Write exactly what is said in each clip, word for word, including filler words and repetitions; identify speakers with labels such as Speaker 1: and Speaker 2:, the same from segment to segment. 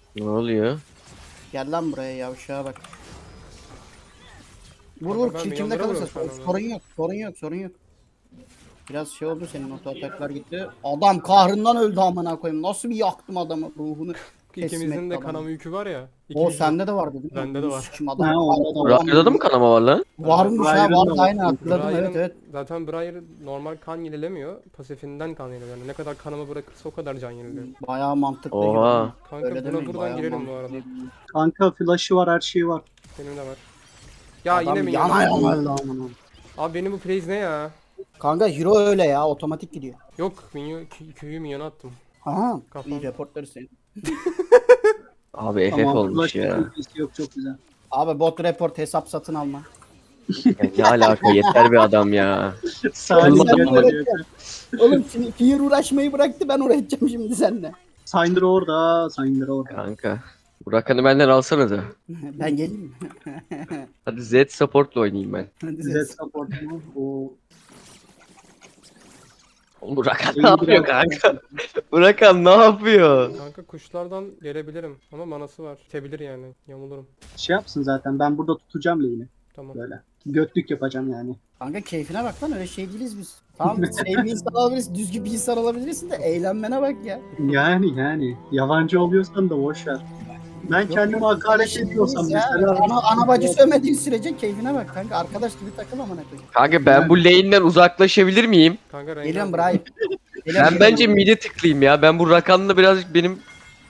Speaker 1: Ne oluyor?
Speaker 2: Gel lan buraya yavşağa bak. Vur
Speaker 3: Kanka
Speaker 2: vur
Speaker 3: ben
Speaker 2: kill kimde kalırsa
Speaker 3: inandıramıyorum şu an onu.
Speaker 2: sorun yok sorun yok sorun yok. Biraz şey oldu senin oto ataklar gitti. Adam kahrından öldü amına koyayım. Nasıl bir yaktım adamı ruhunu teslim
Speaker 3: İkimizin
Speaker 2: etti
Speaker 3: de
Speaker 2: adamı.
Speaker 3: kanama yükü var ya.
Speaker 2: O
Speaker 3: İkimiz de.
Speaker 2: sende de vardı değil mi?
Speaker 3: Bende de
Speaker 2: Bunu
Speaker 3: var.
Speaker 2: sikim adam.
Speaker 4: Ha, onda da var.
Speaker 1: Ryan'da da mı kanama var lan?
Speaker 2: Varmış ha
Speaker 4: Briar'ın da
Speaker 2: vardı
Speaker 4: var.
Speaker 2: aynen hatırladım evet
Speaker 3: Briar'ın-
Speaker 2: evet.
Speaker 3: Zaten Briar normal kan yenilemiyor. Pasifinden kan yeniliyor. Yani ne kadar kanama bırakırsa o kadar can yeniliyor.
Speaker 2: Bayağı mantıklı.
Speaker 1: Oha.
Speaker 2: gibi.
Speaker 3: Kanka
Speaker 2: Öyle
Speaker 3: buna
Speaker 2: demeyin,
Speaker 3: buradan
Speaker 2: bayağı
Speaker 3: girelim bu
Speaker 2: mantıklı.
Speaker 3: arada.
Speaker 4: Kanka flash'ı var, her şeyi var.
Speaker 3: Benim de var. Ya
Speaker 2: Adam
Speaker 3: yine mi
Speaker 2: yana
Speaker 3: yana?
Speaker 2: yana öldü amına.
Speaker 3: Abi benim bu praise ne ya?
Speaker 2: Kanka hero öyle ya otomatik gidiyor.
Speaker 3: Yok minyon, kü- köyü minyona attım.
Speaker 2: Aha.
Speaker 3: Kafam.
Speaker 2: İyi reportları senin.
Speaker 1: Abi F F
Speaker 4: Tamam,
Speaker 1: olmuş
Speaker 4: flash
Speaker 1: ya.
Speaker 4: ultisi yok, çok güzel.
Speaker 2: Abi bot report hesap satın alma.
Speaker 1: Ya ne alaka, yeter bir adam ya.
Speaker 4: Salih
Speaker 1: Kılmadı
Speaker 4: gel
Speaker 1: ama.
Speaker 4: geliyor.
Speaker 2: Oğlum şimdi Fear uğraşmayı bıraktı ben uğraşacağım şimdi seninle.
Speaker 4: Syndra orada, Syndra orada.
Speaker 1: Kanka. Bu Rakan'ı benden alsana da.
Speaker 2: Ben geleyim mi?
Speaker 1: Hadi Z support'la oynayayım ben.
Speaker 2: Hadi
Speaker 4: Z
Speaker 2: ses.
Speaker 4: support mu? O
Speaker 1: Oğlum bu Rakan ne
Speaker 4: Oyun
Speaker 1: yapıyor
Speaker 4: biraz-
Speaker 1: kanka? Bu Rakan ne yapıyor?
Speaker 3: Kanka kuşlardan gelebilirim ama manası var. Tebilir yani. Yamulurum.
Speaker 4: şey yapsın zaten, ben burada tutacağım lane'i
Speaker 3: Tamam.
Speaker 4: böyle. Götlük yapacağım yani.
Speaker 2: Kanka keyfine bak lan öyle şey değiliz biz. Tamam sevgi bir insan olabilirsin, düzgün bir insan olabilirsin de eğlenmene bak ya.
Speaker 4: Yani yani yabancı oluyorsan da boş ver. Ben kendimi hakaret
Speaker 2: Şey
Speaker 4: ediyorsam
Speaker 2: değiliz ya.
Speaker 4: mesela
Speaker 2: Ana, ana bacı sövmediğin sürece keyfine bak kanka. Arkadaş gibi takıl amına koyayım.
Speaker 1: Kanka ben bu lane'den uzaklaşabilir miyim?
Speaker 3: Kanka rengar.
Speaker 2: Geliyorum Brian.
Speaker 1: Ben bence mid'e tıklayayım ya. Ben bu Rakan'la birazcık benim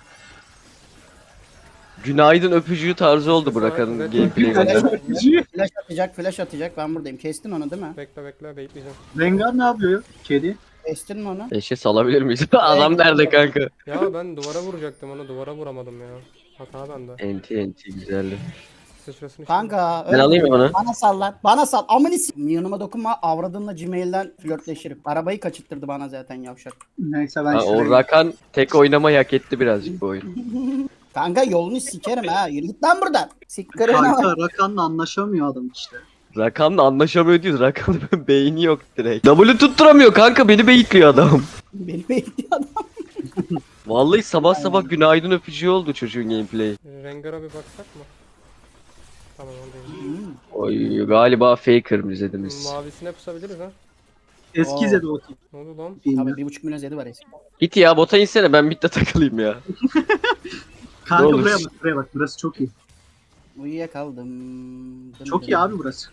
Speaker 1: günaydın öpücüğü tarzı oldu bu Rakan'ın
Speaker 3: Evet,
Speaker 1: gameplay'i
Speaker 3: evet.
Speaker 1: bence.
Speaker 2: Flash atacak, flash atacak. Ben buradayım. Kestin onu değil mi?
Speaker 3: Bekle bekle bekleyeceğim.
Speaker 4: Rengar ne yapıyor? Kedi.
Speaker 2: Kestin mi onu?
Speaker 1: Eşe salabilir miyiz? Adam nerede kanka?
Speaker 3: Ya ben duvara vuracaktım onu duvara vuramadım ya. Hata bende.
Speaker 1: Enti enti güzeldi.
Speaker 3: Sıçrasını
Speaker 2: Kanka
Speaker 1: Ben
Speaker 2: öyle
Speaker 1: alayım mı bunu?
Speaker 2: bana sal lan. Bana sal. Amını s- Yanıma dokunma. Avradınla Gmail'den flörtleşirim. Arabayı kaçırttırdı bana zaten yavşak.
Speaker 4: Neyse ben
Speaker 1: Ha, o
Speaker 4: şuraya...
Speaker 1: Rakan tek oynamayı hak etti birazcık bu oyun.
Speaker 2: Kanka yolunu sikerim ha. Yürü git lan buradan. Sikkarına bak.
Speaker 4: Kanka Rakan'la anlaşamıyor adam işte.
Speaker 1: Rakan'la anlaşamıyor diyoruz. Rakan'ın beyni yok direkt. W tutturamıyor kanka, beni beyitliyor adam.
Speaker 2: Beni bekliyor adam.
Speaker 1: Vallahi sabah sabah günaydın öpücüğü oldu çocuğun gameplay.
Speaker 3: Rengar'a bir baksak mı? Tamam onu değil.
Speaker 2: Hmm.
Speaker 1: Oy galiba faker izlediniz.
Speaker 3: Mavisine pusabiliriz ha.
Speaker 4: Eski
Speaker 2: Oo.
Speaker 4: Zed o tip.
Speaker 3: Ne oldu lan?
Speaker 2: Tabii
Speaker 4: filmi.
Speaker 2: bir buçuk milyon zedi var eski.
Speaker 1: Git ya bota insene, ben midde takılayım ya.
Speaker 4: Kanka
Speaker 1: Ne olur.
Speaker 4: buraya bak, buraya bak. Burası çok iyi.
Speaker 2: Uyuyakaldım. Dım
Speaker 4: Çok
Speaker 2: dım.
Speaker 4: iyi abi burası.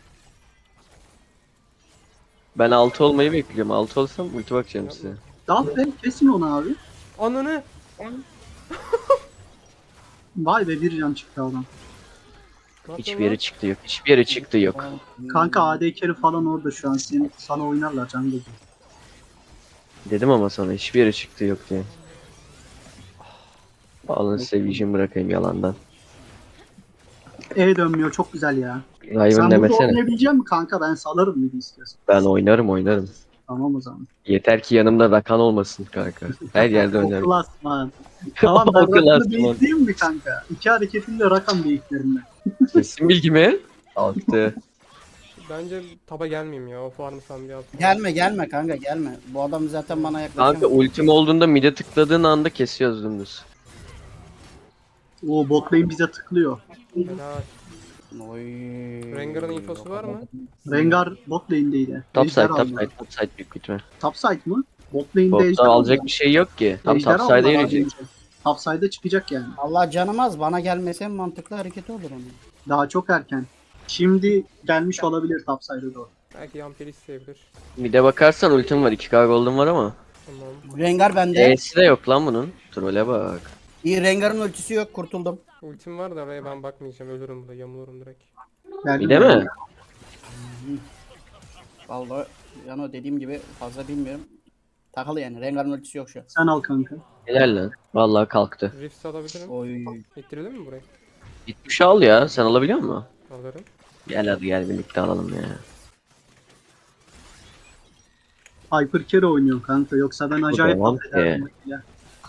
Speaker 1: Ben altı olmayı bekliyorum. altı olsam ulti bakacağım size.
Speaker 4: Dal be, kesin onu abi.
Speaker 3: Ananı!
Speaker 4: Vay be, bir can çıktı adam.
Speaker 3: Ne
Speaker 1: Hiçbir
Speaker 3: yapıyorsun
Speaker 1: yere
Speaker 3: lan?
Speaker 1: çıktı yok. Hiçbir yere çıktı yok.
Speaker 4: Kanka A D carry falan orada şu an. Seni, sana oynarlar can gözü.
Speaker 1: Dedim ama sana hiçbir yere çıktı yok diye. Alın size vision bırakayım yalandan.
Speaker 4: E dönmüyor, çok güzel ya.
Speaker 1: Riven
Speaker 4: Sen burada
Speaker 1: demesene.
Speaker 4: oynayabilecek misin kanka? Ben salarım mıydı istiyorsan.
Speaker 1: Ben oynarım oynarım.
Speaker 4: Tamam o zaman.
Speaker 1: Yeter ki yanımda Rakan olmasın kanka. Her yerde
Speaker 4: O
Speaker 1: oynarım.
Speaker 4: klasman. Tamam ben
Speaker 1: O klasman.
Speaker 4: Rakan'ı beyitleyeyim mi kanka? İki hareketimle Rakan beyitlerim ben.
Speaker 1: Kesin bilgi mi? Altı.
Speaker 3: Bence taba gelmeyeyim ya. O farmı sen bir al.
Speaker 2: Gelme gelme kanka gelme. Bu adam zaten bana yaklaşamıyor.
Speaker 1: Kanka ultim olduğunda mid'e tıkladığın anda kesiyoruz dümdüz.
Speaker 4: O bot lane bize tıklıyor.
Speaker 3: Helal.
Speaker 2: Oy.
Speaker 3: Rengar'ın infosu var mı?
Speaker 4: Rengar bot lane'deydi.
Speaker 1: Top side,
Speaker 4: Ejder
Speaker 1: top
Speaker 4: aldı.
Speaker 1: side, top side büyük ihtimal.
Speaker 4: Top side mı? Bot lane'de
Speaker 1: Bottan
Speaker 4: ejder
Speaker 1: alacak
Speaker 4: aldı.
Speaker 1: bir şey yok ki. Tam
Speaker 4: Ejder
Speaker 1: top
Speaker 4: aldı
Speaker 1: side'e
Speaker 4: az
Speaker 1: yürüyecek.
Speaker 4: önce. Top side'e çıkacak yani.
Speaker 2: Allah canımaz bana gelmese en mantıklı hareketi olur onun.
Speaker 4: Daha çok erken. Şimdi gelmiş olabilir top side'e doğru.
Speaker 3: Belki Yamperi isteyebilir.
Speaker 1: Mid'e bakarsan ultim var. iki K golden var ama.
Speaker 3: Tamam.
Speaker 2: Rengar bende.
Speaker 1: E'si de yok lan bunun. Trole bak.
Speaker 2: İyi Rengar'ın ultisi yok kurtuldum.
Speaker 3: Ultim var da oraya ben bakmayacağım. Ölürüm burada. Yamulurum direkt.
Speaker 4: Geldi
Speaker 1: Mid'e mi?
Speaker 2: Vallahi yani o dediğim gibi fazla bilmiyorum. Takılı yani Rengar'ın ultisi yok şu an.
Speaker 4: Sen al kanka.
Speaker 1: Helal lan. Vallahi kalktı.
Speaker 3: Rift alabilirim.
Speaker 2: Oy.
Speaker 3: İttirelim mi burayı?
Speaker 1: gitmiş al ya. Sen alabiliyor musun?
Speaker 3: Alırım.
Speaker 1: Gel hadi gel birlikte alalım ya.
Speaker 4: Hyper carry oynuyor kanka. Yoksa ben acayip
Speaker 1: devam
Speaker 4: affederdim. Ya.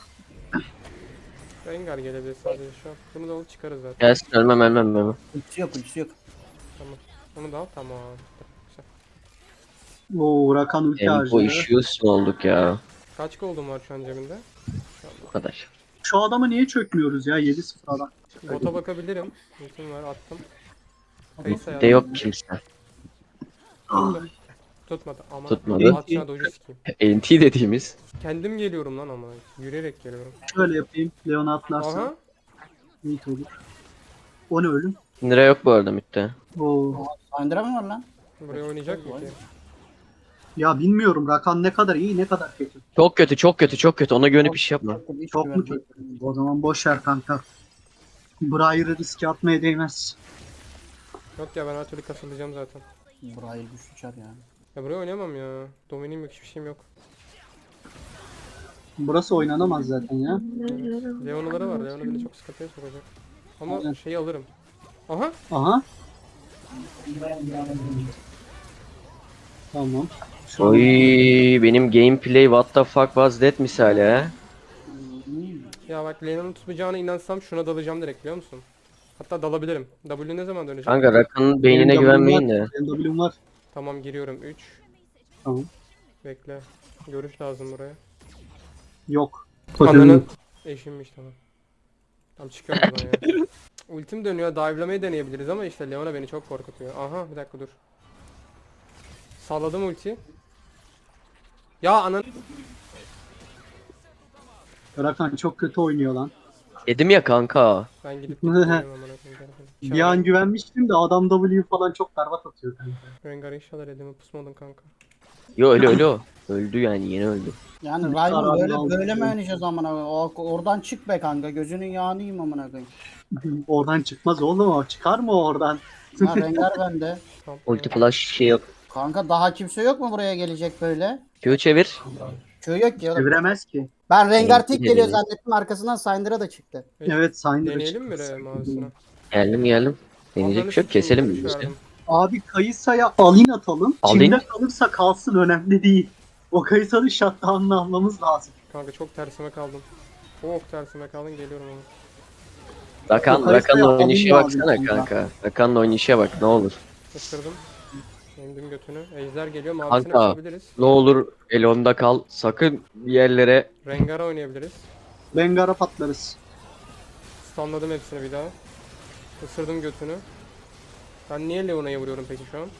Speaker 3: Rengar gelebilir sadece şu an. Bunu da alıp çıkarız zaten.
Speaker 1: Gelsin ölmem ölmem ölmem.
Speaker 2: Ultisi yok ultisi yok.
Speaker 3: Tamam. Onu da al. Tamam. Güzel.
Speaker 4: Oo Rakan ulti
Speaker 1: Tempo
Speaker 4: harcıyor.
Speaker 1: issues mu olduk ya?
Speaker 3: Kaç gold'un var şu an cebinde?
Speaker 1: Bu kadar.
Speaker 4: Şu adama niye çökmüyoruz ya? yedi sıfır adam.
Speaker 3: Bota bakabilirim. Ultim var attım. Kayısı
Speaker 1: De yok kimse.
Speaker 3: Tuttu. Tutmadı ama
Speaker 1: Tutmadı.
Speaker 3: atışına doju sikeyim.
Speaker 1: N T dediğimiz.
Speaker 3: Kendim geliyorum lan ama. Yürüyerek geliyorum.
Speaker 4: Şöyle yapayım. Leon'a atlarsan
Speaker 3: Aha.
Speaker 4: iyi olur. O ne ölüm?
Speaker 1: Nira yok bu arada midde.
Speaker 4: Oo.
Speaker 2: Syndra mı var lan?
Speaker 3: Buraya oynayacak mı ki?
Speaker 4: Ya bilmiyorum Rakan ne kadar iyi ne kadar kötü.
Speaker 1: Çok kötü çok kötü çok kötü ona güvenip iş yapma.
Speaker 2: Hiç
Speaker 4: Çok mu
Speaker 2: güvenmiyorum.
Speaker 4: kötü? O zaman boş ver kanka. Briar'ı riske atmaya değmez.
Speaker 3: Yok ya ben her türlü kasılacağım zaten.
Speaker 2: Burayı güçlü çar ya.
Speaker 3: Ya buraya oynayamam ya. Dominim yok hiçbir şeyim yok.
Speaker 4: Burası oynanamaz zaten ya.
Speaker 3: Leon'ları var. Leon'u beni çok sıkıntıya sokacak. Ama
Speaker 4: Aynen.
Speaker 3: şeyi alırım. Aha.
Speaker 4: Aha. Tamam. Şu an-
Speaker 1: Oy benim gameplay what the fuck was that misali ha.
Speaker 3: Ya bak Leon'un tutmayacağına inansam şuna dalacağım direkt biliyor musun? Hatta dalabilirim. W ne zaman dönecek?
Speaker 1: Kanka Rakan'ın
Speaker 4: Benim
Speaker 1: beynine
Speaker 4: W'm
Speaker 1: güvenmeyin
Speaker 4: var,
Speaker 1: de.
Speaker 4: benim W'm var.
Speaker 3: Tamam giriyorum. üç.
Speaker 4: Tamam.
Speaker 3: Bekle. Görüş lazım buraya.
Speaker 4: Yok.
Speaker 3: Ananın eşimmiş tamam. Tam çıkıyorum buradan ya. Ultim dönüyor. Dive'lamayı deneyebiliriz ama işte Leona beni çok korkutuyor. Aha bir dakika dur. Salladım ulti. Ya anan.
Speaker 4: Rakan çok kötü oynuyor lan.
Speaker 1: Dedim ya kanka.
Speaker 3: Ben gidip gidip amına koyayım telefonu.
Speaker 4: Bir an güvenmiştim de adam W falan çok berbat atıyor kanka.
Speaker 3: Rengar inşallah elimi pusmadın kanka.
Speaker 1: Yo öyle öyle o. Öldü yani yeni öldü.
Speaker 2: Yani
Speaker 4: Karar
Speaker 2: Raymond böyle
Speaker 4: aldım.
Speaker 2: böyle mi oynayacağız amına koyayım? O- Oradan çık be kanka. Gözünün yağını yiyeyim amına koyayım.
Speaker 4: Oradan çıkmaz oğlum o. Çıkar mı oradan?
Speaker 2: Ha Rengar bende.
Speaker 3: Tamam.
Speaker 1: Ulti flash şey yok.
Speaker 2: Kanka daha kimse yok mu buraya gelecek böyle?
Speaker 1: Q çevir.
Speaker 2: Köy yok ki oğlum.
Speaker 4: Çeviremez ki.
Speaker 2: Ben Rengar
Speaker 1: Evet,
Speaker 2: tek
Speaker 1: gidelim.
Speaker 2: geliyor zannettim arkasından Syndra da çıktı.
Speaker 4: Evet Syndra
Speaker 3: Deneyelim mi
Speaker 4: çıktı.
Speaker 3: re mavisine?
Speaker 1: Geldim geldim. Deneyecek bir şey yok keselim biz işte.
Speaker 4: Abi Kayısa'ya alin atalım.
Speaker 1: Alin?
Speaker 4: Kimde kalırsa kalsın önemli değil. O Kayısa'nın shutdown'ını almamız lazım.
Speaker 3: Kanka çok tersime kaldım. Çok tersime kaldım geliyorum ama.
Speaker 1: Rakan,
Speaker 4: Yukarı
Speaker 1: Rakan'la
Speaker 4: sayı
Speaker 1: oynayışa
Speaker 4: alayım
Speaker 1: baksana
Speaker 4: abi.
Speaker 1: kanka. Rakan'la oynayışa bak ne olur.
Speaker 3: Isırdım. Emdim götünü. Ejder geliyor mavisine
Speaker 1: Kanka.
Speaker 3: basabiliriz.
Speaker 1: Ne olur Elon'da kal. Sakın bir yerlere.
Speaker 3: Rengar'a oynayabiliriz.
Speaker 4: Rengar'a patlarız.
Speaker 3: Stunladım hepsini bir daha. Isırdım götünü. Ben niye Leona'ya vuruyorum peki şu an?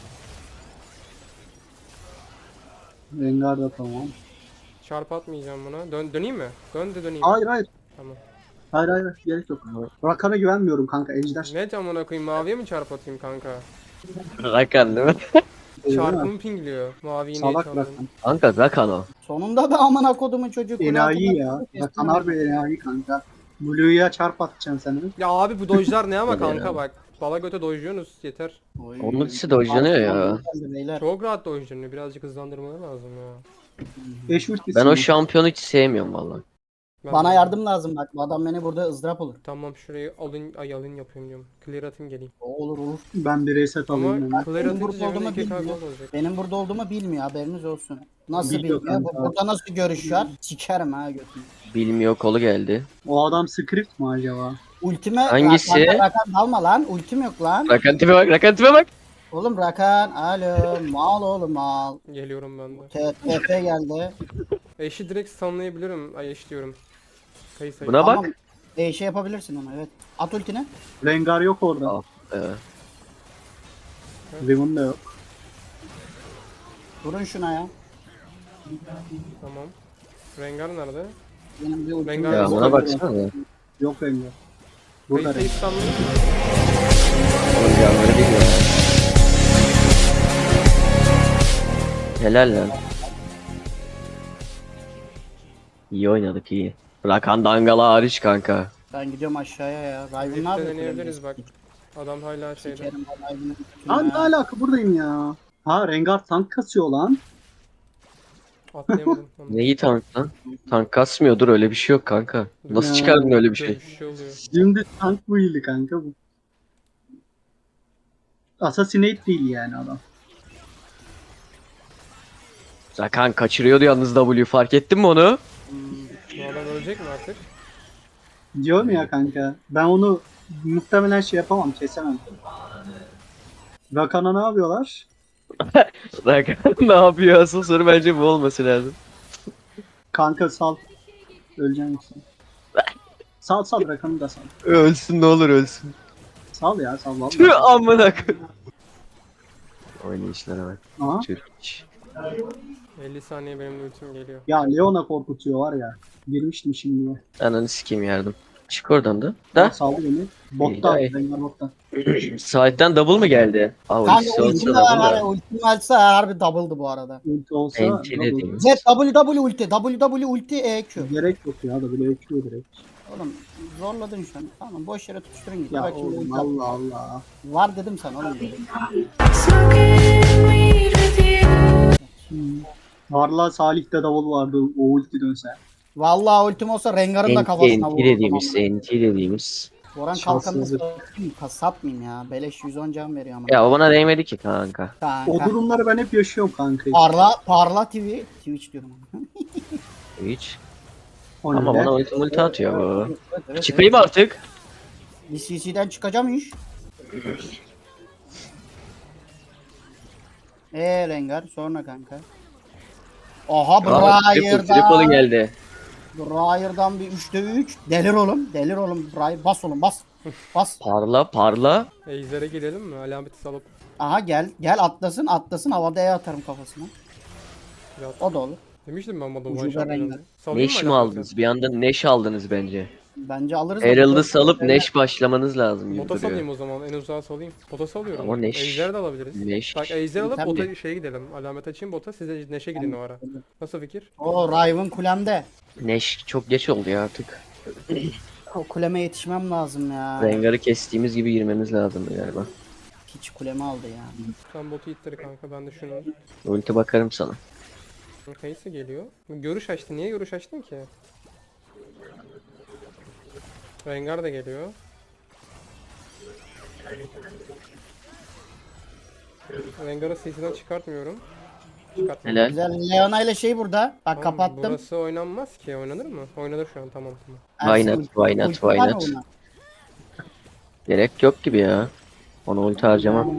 Speaker 4: Rengar da tamam.
Speaker 3: Çarp atmayacağım buna. Dön döneyim mi? Dön de döneyim.
Speaker 4: Hayır hayır.
Speaker 3: Tamam.
Speaker 4: Hayır hayır. Gerek yok. Rakan'a güvenmiyorum kanka. Ejder.
Speaker 3: Ne camına koyayım maviye mi çarp atayım kanka?
Speaker 1: Rakan değil mi?
Speaker 4: Değil mi?
Speaker 3: Çarpımı pingliyor. Maviyi niye
Speaker 4: Salak
Speaker 3: çaldın?
Speaker 4: Rakan.
Speaker 1: Kanka Rakan o.
Speaker 2: Sonunda be amına kodumun çocuğu. kule
Speaker 4: Enayi
Speaker 2: altında
Speaker 4: ya.
Speaker 2: kestim
Speaker 4: Rakan
Speaker 2: ya.
Speaker 4: harbi enayi kanka. Blue'ya çarp atacaksın sen.
Speaker 3: Ya abi bu dojlar ne ama
Speaker 1: Tabii ya.
Speaker 3: kanka bak. Bala göte dojluyorsunuz yeter.
Speaker 2: Oy.
Speaker 1: Onun ikisi de orijinal ya.
Speaker 2: Geldi beyler.
Speaker 3: Çok rahat dojlanıyor. Birazcık hızlandırmaları lazım ya.
Speaker 4: Eş ultisi
Speaker 1: Ben o
Speaker 4: mi?
Speaker 1: şampiyonu hiç sevmiyorum valla.
Speaker 3: Ben
Speaker 2: Bana
Speaker 3: de-
Speaker 2: yardım lazım bak. Bu adam beni burada ızdırap olur.
Speaker 3: Tamam şurayı alın, ay alın yapıyorum diyorum. Clear atayım geleyim.
Speaker 2: O olur olur.
Speaker 4: Ben bir reset
Speaker 3: Ama
Speaker 4: alayım hemen.
Speaker 3: clear
Speaker 2: Benim
Speaker 3: atınca
Speaker 2: burada
Speaker 3: cebimde
Speaker 2: olduğumu
Speaker 3: iki K
Speaker 2: bilmiyor.
Speaker 3: gold olacak.
Speaker 2: Benim burada olduğumu bilmiyor haberiniz olsun. Nasıl
Speaker 4: Biliyor
Speaker 2: bilmiyor? Bu-
Speaker 4: kanka.
Speaker 2: Burada nasıl görüş var? Sikerim ha götünü.
Speaker 1: Bilmiyor kolu geldi.
Speaker 4: O adam script mi acaba?
Speaker 2: Ultime
Speaker 1: Hangisi?
Speaker 2: Rakan, Rakan dalma lan. Ultim yok lan.
Speaker 1: Rakan tipe bak Rakan tipe bak.
Speaker 2: Oğlum Rakan. Alo. Mal oğlum mal.
Speaker 3: Geliyorum ben de.
Speaker 2: T F geldi.
Speaker 3: Eşi direkt stunlayabilirim. Ay eş diyorum. Kayısı.
Speaker 1: Buna
Speaker 2: Tamam.
Speaker 1: bak.
Speaker 2: E, şey yapabilirsin onu evet. At ultini.
Speaker 4: Rengar yok orada.
Speaker 1: Al. Ee,
Speaker 4: Riven de yok.
Speaker 2: Vurun şuna ya.
Speaker 3: Tamam. Rengar nerede?
Speaker 2: Benim bir ultim
Speaker 3: Rengar-
Speaker 1: ya
Speaker 2: yok.
Speaker 1: buna baksana.
Speaker 4: Yok Rengar. Burada
Speaker 3: Kayısıyı
Speaker 4: Rengar.
Speaker 3: stunlayayım.
Speaker 1: Oğlum yanları bilmiyor. Helal lan. İyi oynadık iyi. Rakan Dangala hariç kanka.
Speaker 2: Ben gidiyorum aşağıya ya. Riven ne
Speaker 3: Birlikte
Speaker 2: yapıyor?
Speaker 3: deneyebiliriz bak. Adam hala şeyde.
Speaker 2: Sikerim ben Riven'ın götünü
Speaker 4: Abi ne
Speaker 2: ya.
Speaker 4: alaka buradayım ya. Ha Rengar tank kasıyor lan.
Speaker 3: Atlayamadım. Onu.
Speaker 1: Neyi tank lan? Tank kasmıyordur öyle bir şey yok kanka. Nasıl
Speaker 4: Ya.
Speaker 1: çıkardın öyle bir şey?
Speaker 3: Böyle bir şey oluyor.
Speaker 4: Şimdi tank bu iyiydi kanka bu. Assassinate değil yani adam.
Speaker 1: Rakan kaçırıyordu yalnız W fark ettin mi onu?
Speaker 3: Bu adam ölecek mi artık?
Speaker 4: Diyorum ya kanka. Ben onu muhtemelen şey yapamam, kesemem. Rakan'a ne yapıyorlar?
Speaker 1: Rakan ne yapıyor asıl soru bence bu olması lazım.
Speaker 4: Kanka sal. Öleceğim misin? Sal sal rakamı da sal.
Speaker 1: Ölsün ne olur ölsün.
Speaker 4: Sal ya sal vallahi.
Speaker 1: Tüh amına koyayım. Oynayışlara bak.
Speaker 4: Aha.
Speaker 1: Türk.
Speaker 3: elli saniye benim de ultim geliyor.
Speaker 4: Ya Leona korkutuyor var ya. Girmiştim şimdi.
Speaker 1: Ananı sikeyim yardım. Çık oradan da.
Speaker 4: Da?
Speaker 1: Da.
Speaker 4: Saldı beni. Botta.
Speaker 1: İyi, iyi.
Speaker 4: Rengar botta.
Speaker 1: Saatten double mı geldi? Aa
Speaker 2: Kanka
Speaker 1: ultisi olsa
Speaker 2: ultim
Speaker 1: double
Speaker 2: var
Speaker 1: da.
Speaker 2: ultim varsa harbi double'dı bu arada.
Speaker 4: Ulti olsa.
Speaker 1: Enti
Speaker 4: double.
Speaker 1: dediğimiz.
Speaker 2: Z W W ulti W W ulti E Q.
Speaker 4: Gerek yok ya da bile ekliyor direkt.
Speaker 2: Oğlum zorladın şu an. Tamam boş yere tutuşturun git.
Speaker 4: Ya
Speaker 2: Bak şimdi
Speaker 4: oğlum
Speaker 2: ulti
Speaker 4: Allah Allah.
Speaker 2: var dedim sana oğlum.
Speaker 4: Varla Salih'te davul vardı o ulti dönse.
Speaker 2: Vallahi ultim olsa Rengar'ın da
Speaker 1: Enti,
Speaker 2: kafasına
Speaker 1: enti
Speaker 2: vururdum.
Speaker 1: dediğimiz,
Speaker 2: ama.
Speaker 1: enti dediğimiz.
Speaker 2: Boran kalkanını
Speaker 4: Şanssızlık.
Speaker 2: satayım, satmayayım ya. Beleş yüz on can veriyor ama.
Speaker 1: Ya o bana değmedi ki kanka.
Speaker 4: O
Speaker 2: Kanka.
Speaker 4: durumları ben hep yaşıyorum kanka.
Speaker 2: Parla, Parla T V. Twitch diyorum.
Speaker 1: Hiç.
Speaker 4: O
Speaker 1: Ama
Speaker 4: ne?
Speaker 1: bana ulti multi atıyor bu.
Speaker 2: Evet, evet,
Speaker 1: Çıkayım artık.
Speaker 2: Bir C C'den çıkacağım iş. Eee Rengar sonra kanka. Aha
Speaker 1: Aa, triple, triple
Speaker 2: Briar'dan.
Speaker 1: geldi.
Speaker 2: Briar'dan bir üçte üç. Delir oğlum. Delir oğlum. Briar. Bas oğlum bas. Bas.
Speaker 1: Parla parla.
Speaker 3: Ejder'e girelim mi? Alameti salıp.
Speaker 2: Aha gel. Gel atlasın atlasın. Havada E atarım kafasına.
Speaker 3: Ya,
Speaker 2: O da olur.
Speaker 3: demiştim ben bana
Speaker 2: Ucube
Speaker 3: one shot
Speaker 2: rengar.
Speaker 3: yapacağım. Salayım
Speaker 1: Neş
Speaker 3: mı
Speaker 1: mi
Speaker 3: alameti?
Speaker 1: aldınız? Bir anda Neş aldınız bence.
Speaker 2: Bence alırız. da
Speaker 1: Herald'ı
Speaker 2: bu-
Speaker 1: salıp Neş başlamanız lazım gibi
Speaker 3: Bota salayım
Speaker 1: duruyor.
Speaker 3: o zaman. En uzağa salayım. Bota salıyorum.
Speaker 1: Ama Neş-
Speaker 3: Ejder de alabiliriz.
Speaker 1: Neş.
Speaker 3: Bak Ejder alıp
Speaker 2: Tabii.
Speaker 3: bota şeye gidelim. Alamet açayım bota. Siz de Neş'e gidin o ara. Nasıl fikir?
Speaker 2: O Riven kulemde.
Speaker 1: Neş çok geç oldu ya artık.
Speaker 2: O kuleme yetişmem lazım ya.
Speaker 1: Rengar'ı kestiğimiz gibi girmemiz lazım galiba.
Speaker 2: Hiç kuleme aldı ya.
Speaker 3: Sen botu ittir kanka ben de şunu.
Speaker 1: Ulti bakarım sana.
Speaker 3: Kayısı geliyor. Görüş açtı. Niye görüş açtın ki? Rengar da geliyor. Rengar'ı C C'den çıkartmıyorum. Çıkartmadım.
Speaker 1: Helal.
Speaker 2: Güzel Leona ile şey burada. Bak
Speaker 3: Tamam,
Speaker 2: kapattım.
Speaker 3: Burası oynanmaz ki. Oynanır mı? Oynanır şu an tamam tamam.
Speaker 1: Why
Speaker 2: Ersin
Speaker 1: not, why not,
Speaker 2: ulti
Speaker 1: why
Speaker 2: var
Speaker 1: not?
Speaker 2: ona.
Speaker 1: Gerek yok gibi ya. Ona ulti harcamam.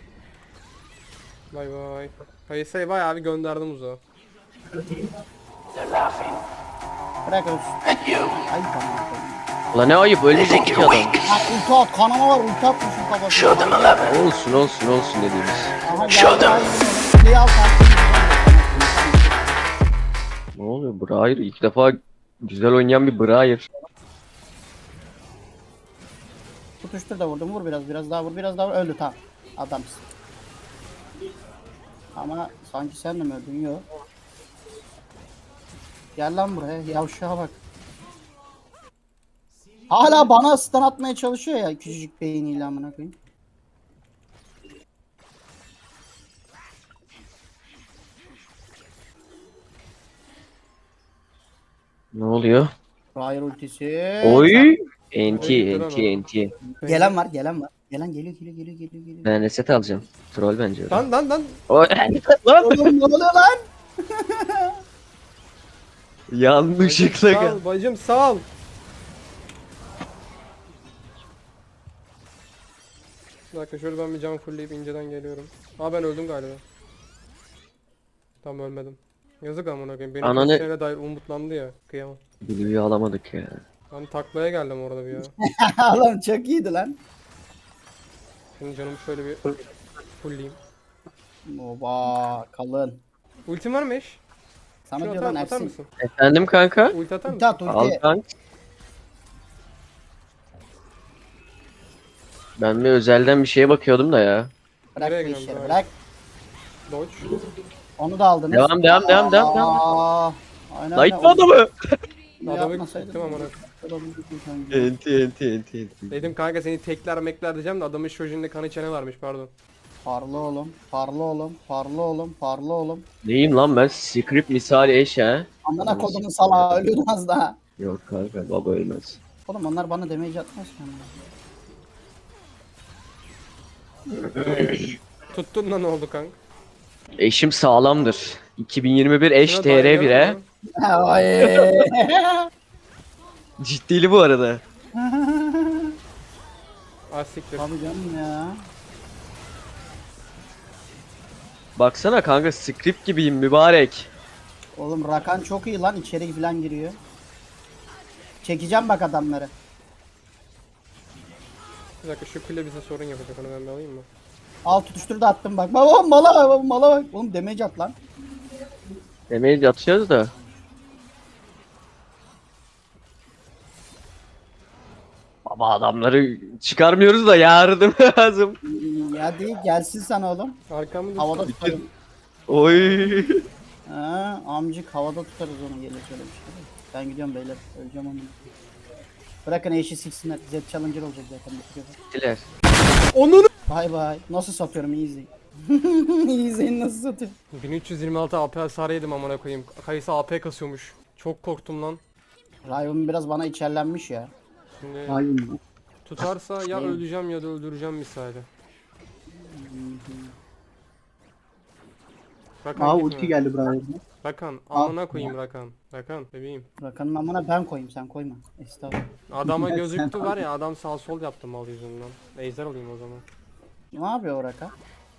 Speaker 3: Bay bay. Kayısı'yı bayağı bir gönderdim uzağa.
Speaker 2: Bırak ölsün. Ay tamam.
Speaker 1: Ulan ne ayıp ölmeyecek ki adam.
Speaker 2: Ha ulti at kanama var ulti atmışım kafasına.
Speaker 1: Olsun olsun olsun dediğimiz.
Speaker 2: Aha geldi. Kuleyi al kanka.
Speaker 1: Ne oluyor Briar? İlk defa güzel oynayan bir Briar.
Speaker 2: Tutuştur da vurdum vur biraz biraz daha vur biraz daha vur öldü tamam. Adamsın. Ama sanki sen de mi öldün yok. Gel lan buraya yavşağa bak. Hala bana stun atmaya çalışıyor ya küçücük beyniyle amına koyayım.
Speaker 1: Ne oluyor?
Speaker 2: Briar ultisi.
Speaker 1: Oy! Enti
Speaker 3: Oy,
Speaker 1: enti enti.
Speaker 2: Gelen var gelen var. Gelen geliyor geliyor geliyor geliyor geliyor.
Speaker 1: Ben reset alacağım. Troll bence. öyle.
Speaker 3: Lan lan lan.
Speaker 1: Oy! Lan!
Speaker 2: Oğlum ne oluyor lan?
Speaker 1: Yanlışlıkla gel.
Speaker 3: Sal bacım sal. Bir dakika şöyle ben bir can fullleyip inceden geliyorum. Aa ben öldüm galiba. Tam ölmedim. Yazık amına koyayım. Benim
Speaker 1: Ananı-
Speaker 3: keseceğine dair umutlandı ya. Kıyamam.
Speaker 1: Blue'yu alamadık ya.
Speaker 3: Ben taklaya geldim orada bir ya.
Speaker 2: Oğlum çok iyiydi lan.
Speaker 3: Şimdi canımı şöyle bir fullleyeyim.
Speaker 2: Oba kalın.
Speaker 3: Ultim var mı eş?
Speaker 2: Sana
Speaker 3: Şunu
Speaker 2: diyor
Speaker 3: atar,
Speaker 2: lan
Speaker 3: atar
Speaker 2: Ersin.
Speaker 3: mısın?
Speaker 1: Efendim kanka?
Speaker 3: Ulti atar
Speaker 2: Ulti
Speaker 3: mısın?
Speaker 2: at
Speaker 1: Al
Speaker 2: ulti.
Speaker 1: kanka. Ben bir özelden bir şeye bakıyordum da ya.
Speaker 2: Bırak
Speaker 3: Nereye
Speaker 2: bu
Speaker 3: gidiyorsun
Speaker 2: işleri
Speaker 3: abi?
Speaker 2: bırak.
Speaker 3: Dodge.
Speaker 2: Onu da aldınız.
Speaker 1: Devam devam devam devam devam.
Speaker 2: Aa, aynen
Speaker 1: Light
Speaker 2: öyle.
Speaker 1: adamı.
Speaker 3: Adamı
Speaker 2: Yapmasaydın.
Speaker 3: gittim amına.
Speaker 1: Enti enti enti enti.
Speaker 3: Dedim kanka seni tekler mekler diyeceğim de adamın şojinde kanı çene varmış pardon.
Speaker 2: Parla oğlum, parla oğlum, parla oğlum, parla oğlum.
Speaker 1: Neyim lan ben? Script misali eş ha.
Speaker 2: Amına kodumun salağı ölüyordu az daha.
Speaker 1: Yok kanka baba ölmez.
Speaker 2: Oğlum onlar bana damage atmaz ki ama.
Speaker 3: Tuttun da ne oldu kanka?
Speaker 1: Eşim sağlamdır. iki bin yirmi bir eş
Speaker 3: Şuna
Speaker 1: T R
Speaker 3: dair
Speaker 1: bire.
Speaker 3: yok mu?
Speaker 2: Ay.
Speaker 1: Ciddili bu arada.
Speaker 3: Ah siktir.
Speaker 2: Tabii canım ya.
Speaker 1: Baksana kanka script gibiyim mübarek.
Speaker 2: Oğlum Rakan çok iyi lan içeri falan giriyor. Çekeceğim bak adamları.
Speaker 3: Bir dakika şu kule bize sorun yapacak, onu ben bir alayım mı?
Speaker 2: Al tutuştur da attım bak. Baba mala bak mala bak. Oğlum damage at lan.
Speaker 1: Demeyiz yatacağız da. Baba adamları çıkarmıyoruz da yardım lazım.
Speaker 2: Ya değil gelsin sana oğlum.
Speaker 3: Arkamı
Speaker 2: Havada
Speaker 3: düştü.
Speaker 2: tutarım.
Speaker 1: Oy.
Speaker 2: Ha, amcık havada tutarız onu gelir şöyle bir şey. Ben gidiyorum beyler. Öleceğim onu. Bırakın eşi siksinler. Z Challenger olacak zaten.
Speaker 1: Diler.
Speaker 3: Onun
Speaker 2: Bay bay. Nasıl satıyorum iyi izleyin. İyi izleyin nasıl satıyorum.
Speaker 3: bin üç yüz yirmi altı A P hasar yedim amına koyayım. Kayısı A P kasıyormuş. Çok korktum lan.
Speaker 2: Riven biraz bana içerlenmiş ya.
Speaker 3: Şimdi
Speaker 4: Hayır mı?
Speaker 3: tutarsa ya
Speaker 2: Ne?
Speaker 3: öleceğim ya da öldüreceğim misali. Rakan
Speaker 4: Aa
Speaker 3: gitme.
Speaker 4: ulti geldi Brian'a.
Speaker 3: Rakan amına koyayım Rakan. Rakan bebeğim.
Speaker 2: Rakanın amına ben koyayım sen koyma. Estağfurullah.
Speaker 3: Adama gözüktü var ya, adam sağ sol yaptı mal yüzünden. Ejder olayım o zaman.
Speaker 2: Ne yapıyor o Rakan?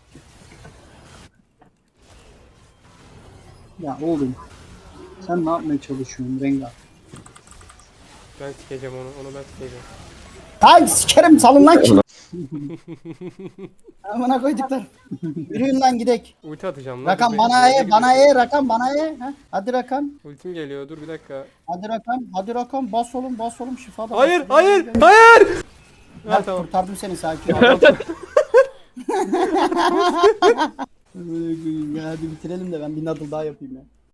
Speaker 4: Ya oğlum. Sen ne yapmaya çalışıyorsun Rengar?
Speaker 3: Ben sikeceğim onu, onu ben sikeceğim.
Speaker 2: Lan sikerim salın lan ki. Amına koyduklar. Yürüyün lan gidek.
Speaker 3: Ulti atacağım lan.
Speaker 2: Rakan
Speaker 3: dur,
Speaker 2: bana
Speaker 3: bekle,
Speaker 2: e,
Speaker 3: bekle,
Speaker 2: bana
Speaker 3: bekle.
Speaker 2: e, Rakan bana e. Ha? Hadi Rakan.
Speaker 3: Ultim geliyor, dur bir dakika.
Speaker 2: Hadi Rakan. Hadi Rakan. Bas oğlum bas oğlum şifa da.
Speaker 3: Hayır,
Speaker 2: bas.
Speaker 3: hayır, hayır!
Speaker 2: Ha,
Speaker 3: Ha tamam.
Speaker 2: kurtardım seni sakin ol. Hadi bitirelim de ben bir nadıl daha yapayım ya.